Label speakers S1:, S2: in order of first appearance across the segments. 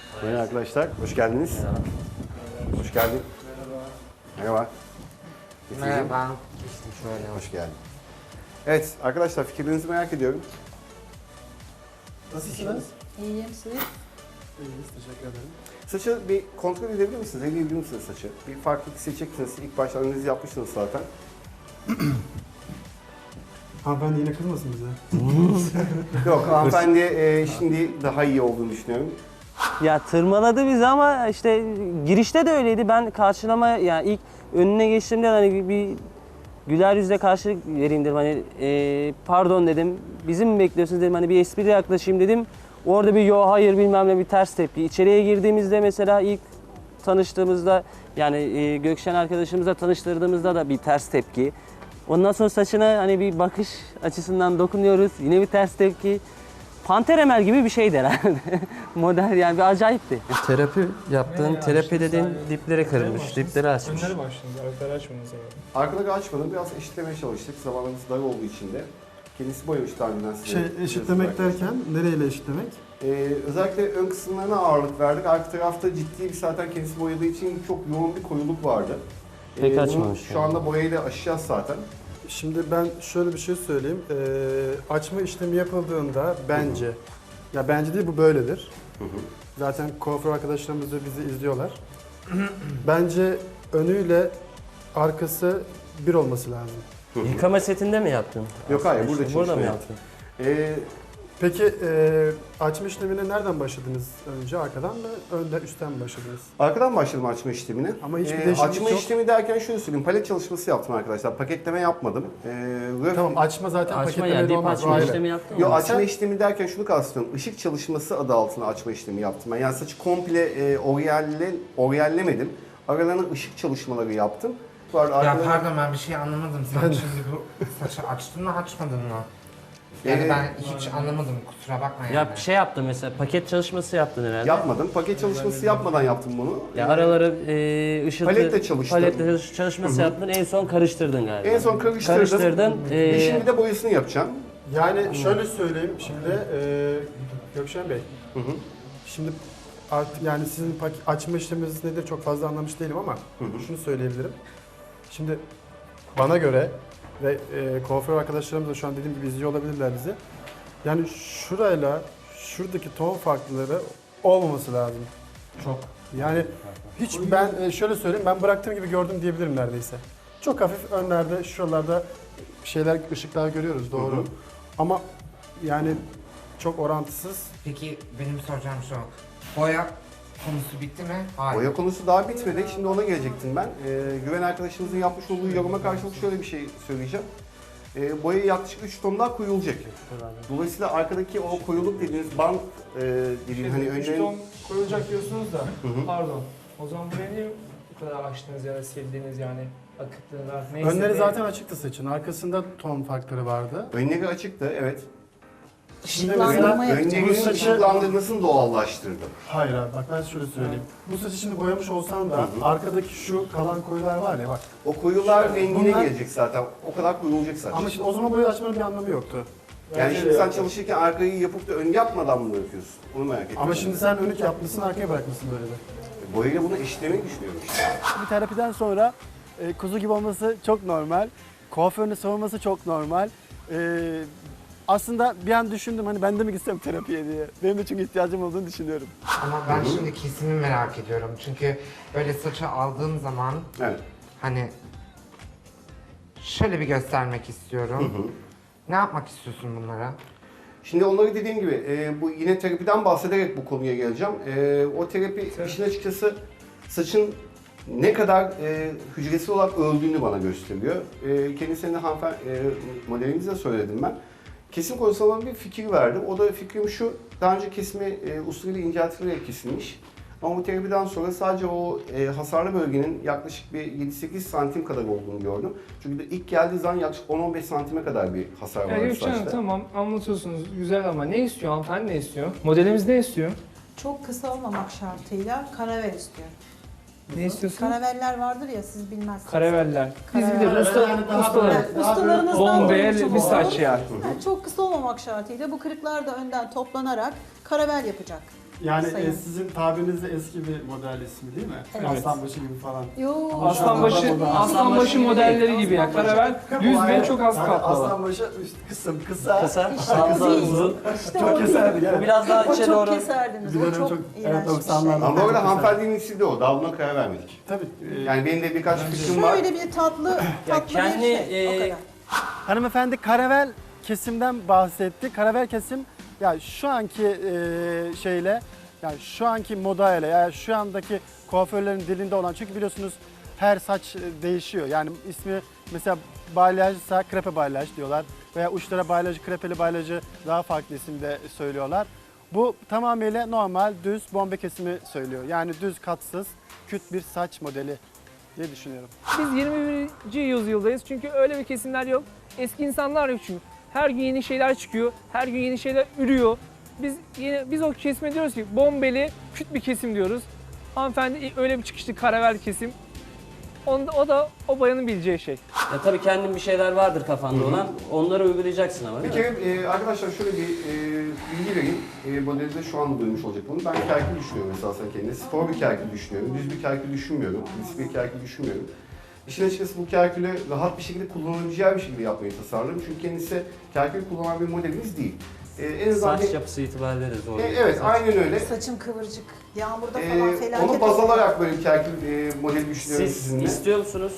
S1: Merhaba arkadaşlar, hoş geldiniz. Hoş geldin. Merhaba.
S2: Merhaba. İşte şöyle.
S1: Hoş geldin. Evet arkadaşlar, fikirlerinizi merak ediyorum.
S3: Nasılsınız?
S4: İyiyim siz.
S3: İyiyiz, teşekkür ederim.
S1: Saçı bir kontrol edebilir misiniz? Eleyebilir misiniz saçı? Bir farklılık seçeceksiniz. İlk başta analizi yapmışsınız zaten.
S3: Hanımefendi yine kızmasın bize.
S1: Yok, hanımefendi şimdi daha iyi olduğunu düşünüyorum.
S5: Ya tırmaladı bizi ama işte girişte de öyleydi. Ben karşılama yani ilk önüne geçtiğimde hani bir güler yüzle karşılık vereyim dedim. Hani pardon dedim. Bizim mi bekliyorsunuz dedim. Hani bir espri yaklaşayım dedim. Orada bir yo hayır bilmem ne bir ters tepki. İçeriye girdiğimizde mesela ilk tanıştığımızda yani Gökşen arkadaşımızla tanıştırdığımızda da bir ters tepki. Ondan sonra saçına hani bir bakış açısından dokunuyoruz. Yine bir ters tepki. Panter Emel gibi bir şeydi herhalde. Model yani bir acayipti. Terapi yaptığın, terapi dediğin dipleri kırılmış, dipleri açmış.
S6: Önleri başladınız, arkaları açmadınız ama.
S1: Arkaları açmadım, biraz eşitlemeye çalıştık. Zamanımız dar olduğu için de. Kendisi boyamış daha önceden size.
S3: Eşitlemek derken nereyle eşitlemek?
S1: Özellikle ön kısımlarına ağırlık verdik. Arka tarafta ciddi bir zaten kendisi boyadığı için çok yoğun bir koyuluk vardı.
S5: Pek
S1: Bunu
S5: açmamış
S1: şu
S5: yani.
S1: anda boyayla aşacağız zaten.
S3: Şimdi ben şöyle bir şey söyleyeyim. Açma işlemi yapıldığında bence, ya bence değil bu böyledir. Zaten kuaför arkadaşlarımız da bizi izliyorlar. Bence önüyle arkası bir olması lazım.
S5: Yıkama setinde mi yaptın?
S1: Yok hayır, burada
S5: Burada
S1: çalışma
S5: mı
S1: yaptım.
S5: yaptın?
S3: Peki açma işlemine nereden başladınız önce? Arkadan mı, önden, üstten mi başladınız?
S1: Arkadan başladım açma işlemine.
S3: Ama hiçbir değişiklik
S1: Açma
S3: yok.
S1: işlemi derken şöyle söyleyeyim, palet çalışması yaptım arkadaşlar. Paketleme yapmadım.
S3: Tamam, açma zaten
S5: Açma
S3: paketlemede
S5: yani dip
S3: olmaz. o
S5: açma
S3: ayrı.
S5: işlemi yaptın mı?
S1: Yo, açma işlemi derken şunu kastediyorum. Işık çalışması adı altında açma işlemi yaptım ben. Yani saçı komple oryallemedim. Aralarına ışık çalışmaları yaptım.
S2: Ya
S1: Arkalarına-
S2: pardon ben bir şey anlamadım. Sen şimdi bu saçı açtın mı açmadın mı? Yani ben hiç anlamadım kusura bakma yani.
S5: Ya şey yaptın mesela paket çalışması yaptın herhalde.
S1: Yapmadım. Paket çalışması yapmadan yaptım bunu.
S5: Ya araları ışıltı,
S1: Paletle çalıştım.
S5: paletle çalışması yaptın. En son karıştırdın galiba.
S1: En son karıştırdım.
S5: Karıştırdın.
S1: Ve şimdi de boyasını yapacağım.
S3: Yani şöyle söyleyeyim şimdi Gökşen Bey. Şimdi artık yani sizin açma işleminiz nedir çok fazla anlamış değilim ama şunu söyleyebilirim. Şimdi bana göre ve kuaför arkadaşlarımız da şu an dediğim gibi izliyor olabilirler bizi. Yani şurayla şuradaki ton farklıları olmaması lazım.
S2: Çok.
S3: Yani hiç ben şöyle söyleyeyim ben bıraktığım gibi gördüm diyebilirim neredeyse. Çok hafif önlerde şuralarda şeyler ışıklar görüyoruz doğru. Ama yani çok orantısız.
S2: Peki benim soracağım şu. Boya konusu bitti mi? Hayır.
S1: Boya konusu daha bitmedi. Şimdi ona gelecektim ben. Güven arkadaşımızın yapmış olduğu yoruma karşılık şöyle bir şey söyleyeceğim. Boya yaklaşık 3 ton daha koyulacak. Dolayısıyla arkadaki o koyuluk dediğiniz band dediğin hani
S6: 3
S1: önlerin...
S6: ton koyulacak diyorsunuz da, pardon. O zaman buraya niye bu kadar açtınız ya da sildiniz yani, akıttınız artık neyse.
S3: Önleri zaten açıktı saçın. Arkasında ton farkları vardı.
S1: Önleri açıktı, evet.
S4: Işıklandırma yapacağım.
S1: Önlerin ışıklandırmasını doğallaştırdım.
S3: Hayır abi bak ben şöyle söyleyeyim. Bu saçı şimdi boyamış olsan da arkadaki şu kalan koyular var ya bak.
S1: O koyular rengine
S3: Bunlar-
S1: gelecek zaten. O kadar koyulacak saç.
S3: Ama şimdi o zaman boya açmanın bir anlamı yoktu.
S1: Yani şimdi sen çalışırken arkayı yapıp da ön yapmadan mı yapıyorsun? Onu merak ettim.
S3: Ama şimdi sen önlük yapmışsın arkaya bırakmışsın böyle de.
S1: Boyayla bunu eşitlemeyi düşünüyorum işte.
S7: Bir terapiden sonra kuzu gibi olması çok normal. Kuaförünü savunması çok normal. Aslında bir an düşündüm hani ben de mi gitsem terapiye diye. Benim de çünkü ihtiyacım olduğunu düşünüyorum.
S2: Ama ben şimdi kesimi merak ediyorum. Çünkü böyle saçı aldığım zaman
S1: Evet.
S2: hani şöyle bir göstermek istiyorum. Ne yapmak istiyorsun bunlara?
S1: Şimdi onları dediğim gibi bu yine terapiden bahsederek bu konuya geleceğim. O terapi işin açıkçası saçın ne kadar hücresel olarak öldüğünü bana gösteriyor. Kendisine de modelimize söyledim ben. Kesim konusunda bana bir fikir verdi. O da fikrim şu, daha önce kesimi usulüyle inceltilerek kesilmiş. Ama bu terapiden sonra sadece o hasarlı bölgenin yaklaşık bir 7-8 santim kadar olduğunu gördüm. Çünkü de ilk geldiği zaman yaklaşık 10-15 santime kadar bir hasar
S6: Ya
S1: vardı
S6: Gökçen Hanım
S1: saçta.
S6: tamam anlatıyorsunuz güzel ama ne istiyor hanımefendi ne istiyor? Modelimiz ne istiyor?
S4: Çok kısa olmamak şartıyla karavel istiyor.
S6: Ne istiyorsunuz?
S4: Karaveller vardır ya siz bilmezsiniz.
S6: Karaveller. Biz
S4: Karaveller.
S6: biliriz ustalar.
S4: Evet, ustalarınızdan
S6: Bombeye
S4: duymuş
S6: bir
S4: olalım.
S6: saç yer.
S4: Yani çok kısa olmamak şartıyla bu kırıklar da önden toplanarak karavel yapacak.
S3: Yani
S4: Sayın.
S3: sizin tabirinizde eski bir model ismi değil mi?
S4: Evet.
S3: Aslanbaşı gibi falan.
S4: Yo.
S6: Aslanbaşı modelleri gibi ya. Karavel düz ve çok az kaplalı.
S3: Aslanbaşı kısa.
S5: Kısa,
S4: İşte
S5: fazla
S4: o değil.
S5: uzun.
S4: İşte
S3: Çok
S4: o değil.
S3: keserdik
S5: Bu
S3: evet.
S5: biraz daha
S4: O
S5: içe
S4: çok
S5: doğru.
S4: keserdiniz.
S3: Bir
S4: O
S3: dönem
S4: çok
S3: çok-
S4: iğrenç
S3: evet,
S4: bir
S3: 90'larda.
S4: şey.
S1: Ama bu arada hanımefendinin ismi de o. Daha buna karar vermedik.
S3: Tabii.
S1: Yani benim de birkaç fikrim var.
S4: Şöyle bir tatlı
S5: kendi,
S4: bir şey. O kadar.
S7: Hanımefendi karavel kesimden bahsetti. Karavel kesim ya şu anki şeyle yani şu anki modayla yani şu andaki kuaförlerin dilinde olan çünkü biliyorsunuz her saç değişiyor. Yani ismi mesela balyajsa krepe balyaj diyorlar veya uçlara balyajı krepeli balyajı daha farklı isimde söylüyorlar. Bu tamamıyla normal düz bombe kesimi söylüyor. Yani düz katsız küt bir saç modeli diye düşünüyorum.
S6: Biz 21. yüzyıldayız çünkü öyle bir kesimler yok. Eski insanlar yok çünkü. Her gün yeni şeyler çıkıyor, her gün yeni şeyler ürüyor. Biz o kesime diyoruz ki bombeli, küt bir kesim diyoruz. Hanımefendi öyle bir çıkıştı karavel kesim. O da o bayanın bileceği şey.
S5: Ya tabii kendin bir şeyler vardır kafanda olan. Onları uygulayacaksın ama
S1: Bir
S5: değil mi?
S1: kere arkadaşlar şöyle bir bilgi vereyim. Modelde şu anda duymuş olacak bunu. Ben kerkil düşünüyorum esasen kendine. Spor bir kerkil düşünüyorum. Düz bir kerkil düşünmüyorum. Düz bir kerkil düşünmüyorum. İşin açıkçası bu kerkülü rahat bir şekilde kullanabileceği bir şekilde yapmayı tasarladım. Çünkü kendisi kerkül kullanan bir modelimiz değil. En azından
S5: Saç yapısı itibariyle de zor.
S1: evet, aynen öyle.
S4: Saçım kıvırcık. Yağmurda falan felaket.
S1: Onu baz alarak böyle bir kerkül modeli düşünüyorum
S5: Siz
S1: sizinle.
S5: istiyor musunuz?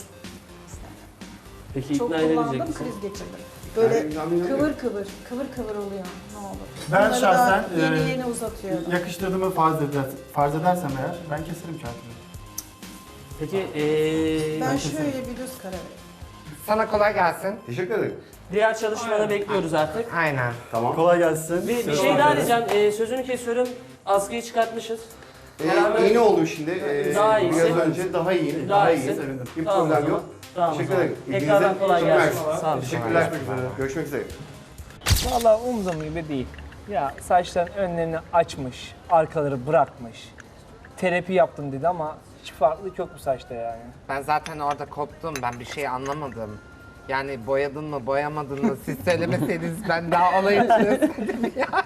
S5: Peki
S4: Çok
S5: ikna
S4: kullandım,
S5: edecek misin?
S4: kriz geçirdim. Böyle
S1: Yani,
S4: kıvır kıvır oluyor. Ne olur.
S3: Ben
S4: Bunları
S3: şahsen,
S4: da yeni uzatıyordum.
S3: Yakıştırdığımı farz edersem eğer ben keserim kerkülü.
S5: Peki
S4: Ben şöyle bir düz karar verdim.
S2: Sana kolay gelsin.
S1: Teşekkür ederim.
S5: diğer çalışmanı bekliyoruz artık.
S2: Aynen.
S1: Tamam.
S3: Kolay gelsin.
S5: Bir şey daha diyeceğim. Sözünü kesiyorum. Askıyı çıkartmışız. Beraber-
S1: Yeni oldu şimdi.
S5: Daha iyisi.
S1: Biraz önce daha iyi.
S5: Daha
S1: iyi.
S5: iyisi.
S1: Bir
S5: Tamam o
S1: problem
S5: zaman.
S1: yok.
S5: Tamam o
S1: Teşekkür
S5: zaman.
S1: ederim.
S5: Tekrardan kolay
S1: Çok
S5: gelsin.
S1: mersi.
S5: Sağ olun.
S1: Teşekkürler. Görüşmek üzere.
S6: Vallahi umduğum gibi değil. Ya saçların önlerini açmış, arkaları bırakmış. Terapi yaptım dedi ama hiç farklılık yok bu saçta yani.
S2: Ben zaten orada koptum. Ben bir şey anlamadım. Yani boyadın mı, boyamadın mı? Siz söylemeseydiniz ben daha olayı çözemedim ya.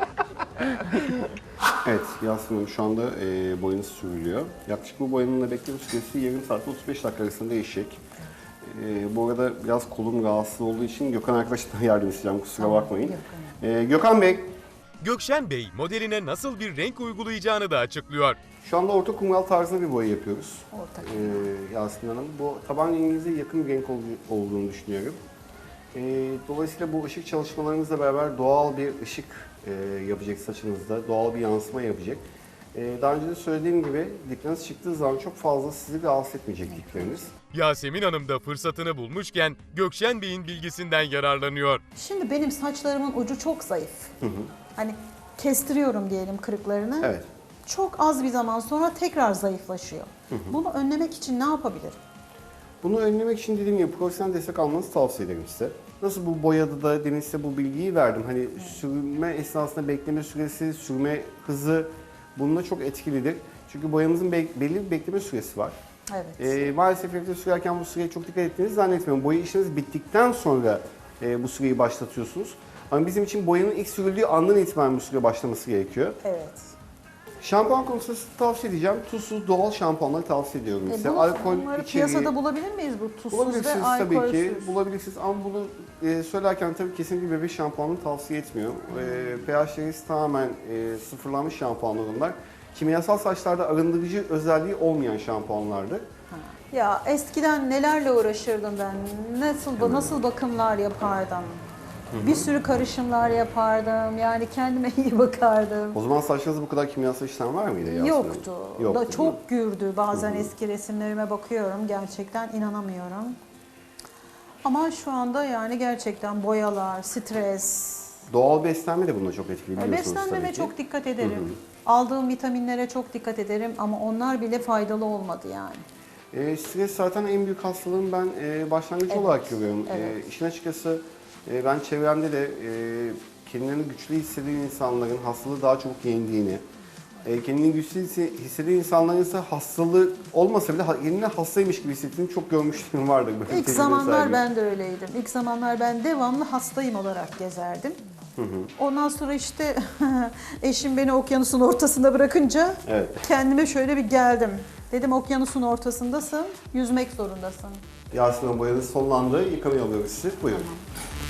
S1: Evet, Yasemin Hanım şu anda boyanız sürülüyor. Yaklaşık bu boyanın bekleme süresi yarım saat 35 dakika arasında değişecek. Bu arada biraz kolum rahatsız olduğu için Gökhan arkadaştan yardım isteyeceğim, kusura bakmayın. Gökhan Bey,
S8: Gökşen Bey modeline nasıl bir renk uygulayacağını da açıklıyor.
S1: şu anda orta kumral tarzında bir boya yapıyoruz.
S4: Orta
S1: Yasemin Hanım. Bu taban renginize yakın bir renk olduğunu düşünüyorum. Dolayısıyla bu ışık çalışmalarımızla beraber doğal bir ışık yapacak saçınızda, doğal bir yansıma yapacak. Daha önce de söylediğim gibi dikleriniz çıktığı zaman çok fazla sizi rahatsız etmeyecek dikleriniz.
S8: Yasemin Hanım da fırsatını bulmuşken Gökşen Bey'in bilgisinden yararlanıyor.
S4: Şimdi benim saçlarımın ucu çok zayıf. Hani kestiriyorum diyelim kırıklarını.
S1: Evet.
S4: Çok az bir zaman sonra tekrar zayıflaşıyor. Bunu önlemek için ne yapabilirim?
S1: Bunu önlemek için dediğim gibi profesyonel destek almanızı tavsiye ederim size. Nasıl bu boyada da demin size bu bilgiyi verdim. Hani sürme esnasında bekleme süresi, sürme hızı bununla çok etkilidir. Çünkü boyamızın belli bir bekleme süresi var.
S4: Evet.
S1: Maalesef evde sürerken bu süreye çok dikkat ettiğinizi zannetmiyorum. Boya işiniz bittikten sonra bu süreyi başlatıyorsunuz. Ama bizim için boyanın ilk sürüldüğü andan itibaren bu süre başlaması gerekiyor.
S4: Evet.
S1: Şampuan konusunda tavsiye edeceğim. Tuzsuz doğal şampuanları tavsiye ediyorum size.
S4: Bunları piyasada bulabilir miyiz bu tuzsuz ve
S1: bulabilirsiniz
S4: alkolsüz?
S1: tabii ki. Bulabilirsiniz ama bunu söylerken tabii kesinlikle bebek şampuanını tavsiye etmiyorum. pH değeri tamamen sıfırlanmış şampuanlar bunlar. Kimyasal saçlarda arındırıcı özelliği olmayan şampuanlardır.
S4: Ya eskiden nelerle uğraşırdım ben, nasıl bakımlar yapardım. Bir sürü karışımlar yapardım, yani kendime iyi bakardım.
S1: O zaman saçlarınızda bu kadar kimyasal işlem var mıydı Yasemin Hanım?
S4: Yoktu.
S1: Yoktu,
S4: Da çok gürdü. Bazen eski resimlerime bakıyorum, gerçekten inanamıyorum. Ama şu anda yani gerçekten boyalar, stres,
S1: Doğal beslenme de buna çok etkili biliyorsunuz
S4: beslenmeme
S1: tabii ki.
S4: çok dikkat ederim. Aldığım vitaminlere çok dikkat ederim ama onlar bile faydalı olmadı yani.
S1: Stres zaten en büyük hastalığın ben başlangıcı
S4: Evet,
S1: olarak görüyorum.
S4: evet.
S1: İşin açıkçası ben çevremde de kendilerini güçlü hisseden insanların hastalığı daha çabuk yendiğini, kendini güçlü hisseden insanların ise hastalığı olmasa bile kendini hastaymış gibi hissettiğini çok görmüşlüğüm vardır. Böyle
S4: İlk
S1: tecrübe
S4: zamanlar
S1: sahibi.
S4: ben de öyleydim. İlk zamanlar ben devamlı hastayım olarak gezerdim. Ondan sonra işte eşim beni okyanusun ortasında bırakınca
S1: Evet.
S4: kendime şöyle bir geldim. Dedim okyanusun ortasındasın, yüzmek zorundasın.
S1: Yasemin Hanım boyanız sonlandı. Yıkamaya alıyoruz sizi. Buyurun.